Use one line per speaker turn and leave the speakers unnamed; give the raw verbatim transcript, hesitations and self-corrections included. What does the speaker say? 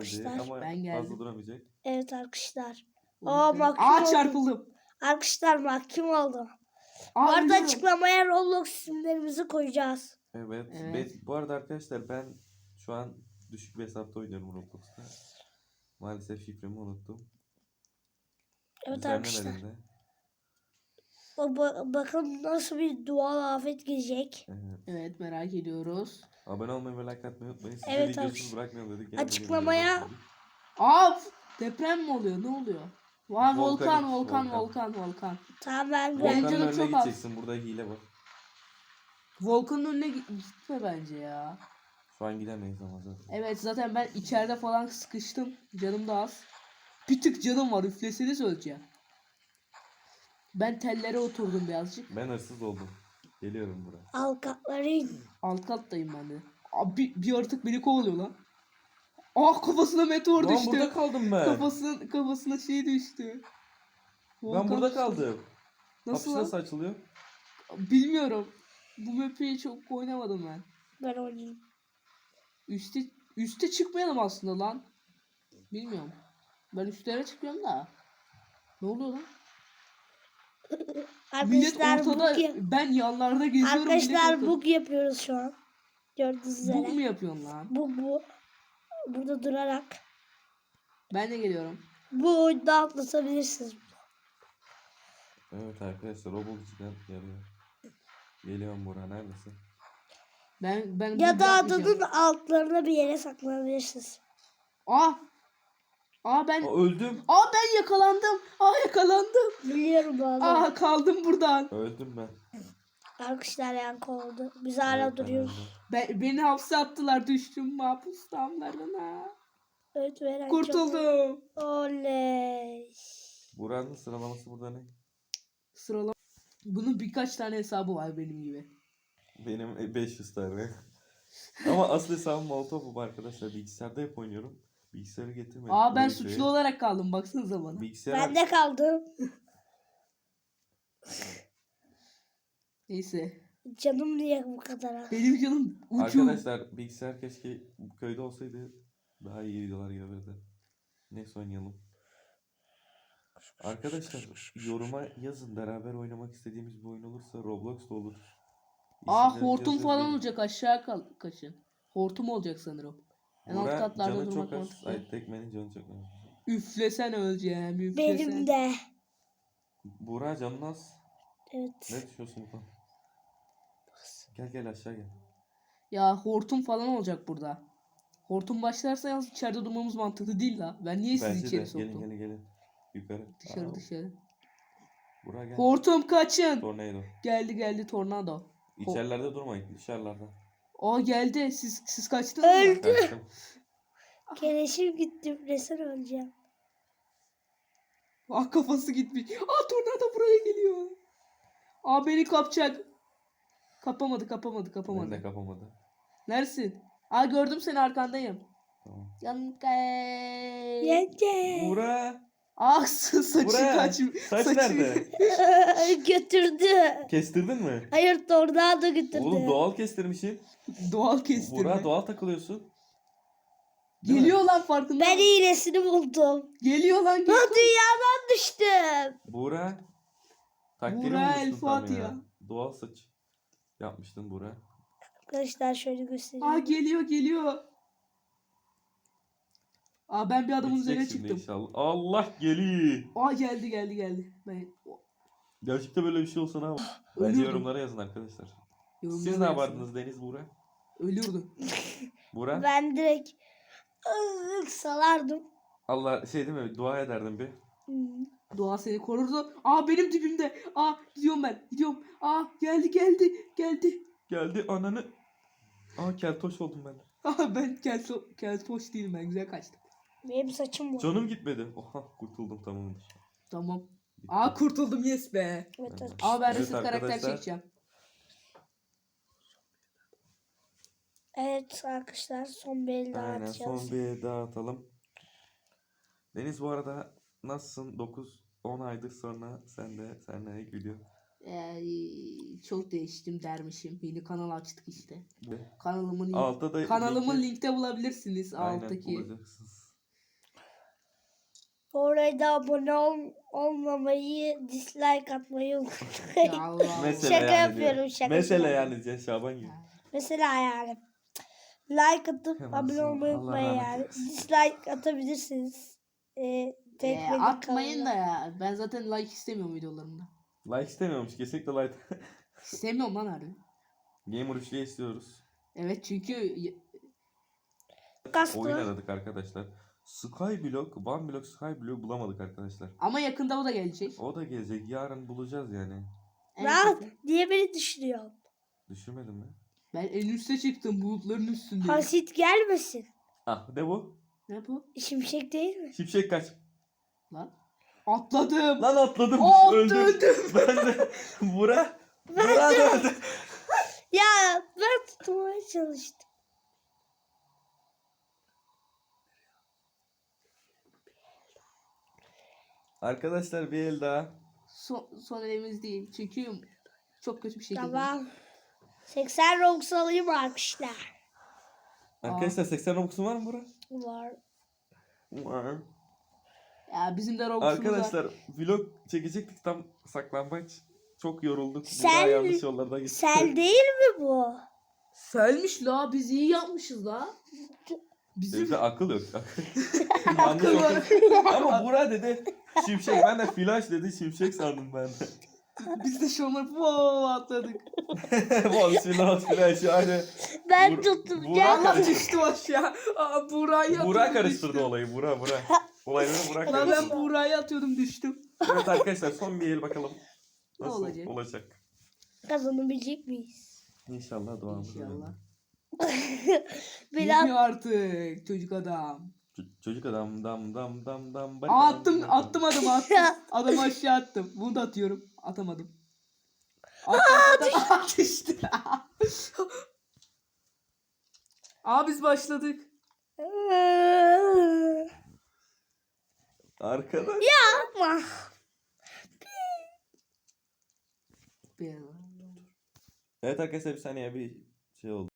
arkadaşlar.
ama
Ben geldim.
fazla duramayacak.
Evet arkadaşlar.
O
Aa
yüzden-
mahkum
Aa
oldum.
çarpıldım.
Arkadaşlar mahkum oldum.
Aa,
Orada
ölüyorum.
açıklamaya Roblox isimlerimizi koyacağız.
Evet.
Evet.
Be- bu arada arkadaşlar ben şu an düşük bir hesapta oynuyorum Roblox'ta. Maalesef şifremi unuttum.
Evet arkadaşlar.
Düzenlemedim de.
O ba- bakın nasıl bir doğal afet gelecek.
Evet.
Evet merak ediyoruz.
Abone olmayı ve like atmayı unutmayın. Size
Evet,
videosuz
arkadaşlar.
bırakmayalım dedik. Gene bugün
Açıklamaya-
videoda başladık.
Aa deprem mi oluyor? Ne oluyor? Vay volkan,
Volkanik,
volkan,
volkan.
volkan, volkan.
Tamam ben
Volkan-
ben.
Volkanın
canım
önüne
çok az.
gideceksin. Burada hile var.
Volkanın önüne git- gitme bence ya.
Şu an gidemeyiz ama zaten.
Evet zaten ben içeride falan sıkıştım. Canım da az. Bir tık canım var. Üfleseniz öleceğim. Ben tellere oturdum birazcık.
Ben hırsız oldum. Geliyorum buraya.
Avukatların
Alt kattayım ben de. Abi bir, bir yaratık beni kovalıyor lan. Ah kafasına meteor
Lan
düştü.
burada kaldım ben.
Kafasına, kafasına şey düştü.
Ben
Volkan
burada
düştü.
kaldım.
Nasıl
Kapısı
lan?
nasıl açılıyor?
Bilmiyorum. Bu map'i çok oynamadım ben.
ben oynayayım.
Üste, üste çıkmayalım aslında lan. Bilmiyorum. Ben üstlere çıkıyorum da. Ne oluyor lan? Millet
Arkadaşlar
ortada,
bug, yap-
ben yanlarda geziyorum.
arkadaşlar
millet
bug yapıyoruz şu an. Gördüğünüz
ortada. Bug mu
üzere.
yapıyorsun lan?
Bu bu. Burada durarak.
Ben de geliyorum.
Bu oyunda atlatabilirsiniz.
Evet arkadaşlar Roblox'tan geliyor. Geliyorum buraya. Neredesin?
Ben ben
Ya
bug
da
yapmayacağım.
adanın altlarına bir yere saklanabilirsiniz.
Aa! Aa ben
Aa, öldüm.
Aa ben yakalandım. Aa yakalandım.
Biliyorum bu adamı.
Aa kaldım buradan.
Öldüm ben.
Arkadaşlar yankı oldu. Biz hala
Evet, ben
duruyoruz.
öldüm.
Ben, beni hapse attılar düştüm mahpus damlarına.
Evet veren
Kurtuldum.
Oley.
Buranın sıralaması burada ne?
Sıralama. Bunun birkaç tane hesabı var benim gibi.
Benim beş yüz tane. Ama asıl hesabım Molotov arkadaşlar. Bilgisayarda hep oynuyorum. Bilgisayarı getirmedim.
Aa ben
buraya
suçlu
köye.
olarak kaldım baksanıza bana.
Bilgisayar
Ben de kaldım.
Neyse.
Canım niye bu kadar az?
Benim canım uçuyor.
Arkadaşlar bilgisayar keşke bu köyde olsaydı daha iyi videolar gelirdi. Neyse oynayalım. Arkadaşlar yoruma yazın, beraber oynamak istediğimiz bir oyun olursa Roblox da olur.
Aa
İsimlerinizi
hortum
yazın,
falan
gelin.
olacak aşağı kal kaçın. Hortum olacak sanırım. En alt
Burak,
katlarda
canı
durmak
çok az.
mantıklı.
Ay Tekmen'in canı çok az.
Üflesen öleceğim üflesen.
Benim de.
Burak canın az.
Evet.
Ne düşünüyorsun bu konuda? Gel gel aşağı gel.
Ya hortum falan olacak burada. Hortum başlarsa yalnız içeride durmamız mantıklı değil la. Ben niye sizi
Bence de
içeri
gelin
soktum?
gelin gelin. Yukarı.
Dışarı
Aa,
dışarı.
Burak gel.
Hortum kaçın.
Tornado.
Geldi geldi tornado.
İçerilerde durmayın, dışarılarda.
Aa geldi. Siz siz kaçtınız mı?
Öldü.
Kaçtım.
Keleşim gitti. Resim öleceğim.
Ah kafası gitmiş. Aa tornado buraya geliyor. Aa beni kapacak. Kapamadı kapamadı
Ben
kapamadı.
de kapamadı.
Neresin? Aa gördüm seni arkandayım.
Tamam.
Yankay.
Yenge.
Burak.
Ah sa- saçı
Burak.
kaç.
Saç
saçı-
nerede?
Götürdü.
Kestirdin mi?
Hayır tornado götürdü.
Oğlum doğal kestirmişsin.
Doğal kestirme.
Burak doğal takılıyorsun. Değil
Geliyor
mi?
lan farkında.
Ben
mısın?
iğnesini buldum.
Geliyor lan.
Lan
Geliyor.
dünyadan düştüm.
Burak. Takdiri
Burak
bulmuştun
El
tam
Fatiha.
ya. Doğal saç yapmıştın Burak.
Arkadaşlar şöyle
Aa
göstereyim.
geliyor geliyor. Aa ben bir adamın
Bitecek
üzerine
şimdi
çıktım.
inşallah. Allah geliyor.
Aa geldi geldi geldi. Ben
Gerçekten böyle bir şey olsa ne yapar? Bence
Ölürdüm.
yorumlara yazın arkadaşlar.
yorumlara
Siz ne
yazsın.
yapardınız Deniz Burak?
Ölürdü.
Burak?
Ben direkt ıı, salardım.
Allah şey değil mi? Dua ederdim bir.
Hmm.
Doğa seni korurdu. Aa benim dibimde. Aa gidiyorum ben. Gidiyorum. Aa geldi geldi geldi.
Geldi ananı. Aa keltoş oldum ben.
Aa ben kelto, keltoş değilim ben güzel kaçtım.
Benim saçım var.
Canım gitmedi. Oha kurtuldum tamamdır.
Tamam.
Bitti.
Aa kurtuldum yes be.
Evet,
Evet.
evet.
Aa ben
Evet
resim karakter
arkadaşlar.
çekeceğim.
Evet arkadaşlar son bir el daha
Aynen
atacağız.
son bir daha atalım. Deniz bu arada nasılsın? dokuz on aydır sonra sen de seninle ilk video.
Ee, çok değiştim dermişim. Yeni kanal açtık işte.
Ve
Kanalımın link,
altta da
kanalımın
linki-
linkte bulabilirsiniz
Aynen
alttaki.
bulacaksınız.
Bu arada abone ol, olmamayı, dislike atmayı unutmayın.
Ya Allah Allah.
Mesela
Şaka
yani diyor.
yapıyorum, şaka
Mesela
yapıyorum.
yani diye Şaban gibi.
Mesela yani. Like atıp
Hemen
abone
sonra
olmayı
Allah
unutmayın
rahmet
yani.
eylesin.
Dislike atabilirsiniz. Ee, tek
Ee,
benim
atmayın da
kanalımda.
ya. Ben zaten like istemiyorum videolarımda.
Like istemiyormuş. Kesinlikle like.
İstemiyorum lan harbi.
Gamer üçlüğü istiyoruz.
Evet çünkü y-
Kastı.
Oyun aradık arkadaşlar. Skyblock, One Block Skyblock bulamadık arkadaşlar.
ama yakında o da gelecek.
O da gelecek. Yarın bulacağız yani.
En
Rahat.
kötü.
Niye beni düşünüyorsun?
Düşünmedin mi?
Ben en üste çıktım, bulutların üstündeyim.
Hasit gelmesin.
Ah ne bu?
Ne bu?
Şimşek değil mi?
Şimşek kaç.
Lan. Atladım.
Lan atladım.
Aa,
öldüm.
öldüm.
Ben de. Bura. Bura da öldü.
Ya ben tutmaya çalıştım.
Arkadaşlar bir el daha.
Son, son elimiz değil. Çünkü çok kötü bir şekilde.
Tamam. seksen Robux alayım arkadaşlar.
Arkadaşlar seksen Robux'un var mı Bura?
Var.
Var.
Ya bizim de Robux'umuz var.
Arkadaşlar vlog çekecektik tam saklambaç. Çok yorulduk.
Sen-
Sen, yanlış yollarda gittik.
Sel değil mi bu?
Selmiş la, biz iyi yapmışız la. Bizim
Bizde akıl yok. yanlış
akıl var.
okudum. Ama Bura dedi şimşek. Ben de flash dedi şimşek sandım ben de.
Biz de şu onları wow atladık.
Bol flash flash yani.
Ben
Bur-
tuttum.
Burak
Gel.
Allah
karıştırdı.
düştüm aşağı. Aa, Buğra'yı
Bura
atıyordum,
karıştırdı
düştüm.
olayı. Bura Bura. Olayları Bura
Lan ben
karıştırdı.
Buğra'yı atıyordum, düştüm.
Evet arkadaşlar son bir el bakalım.
Ne
Nasıl
olacak?
olacak?
Kazanabilecek miyiz?
İnşallah duamız
İnşallah.
Biraz
Bilmiyor artık çocuk adam.
Ç- Çocuk adam dam dam dam dam.
Aa, attım attım adamı attım. Adamı aşağı attım. Bunu da atıyorum. Atamadım. Attım, attım. Düştü. Aa, biz başladık.
Arkadaş.
ama
Bir-
Evet arkadaşlar bir saniye bir şey oldu.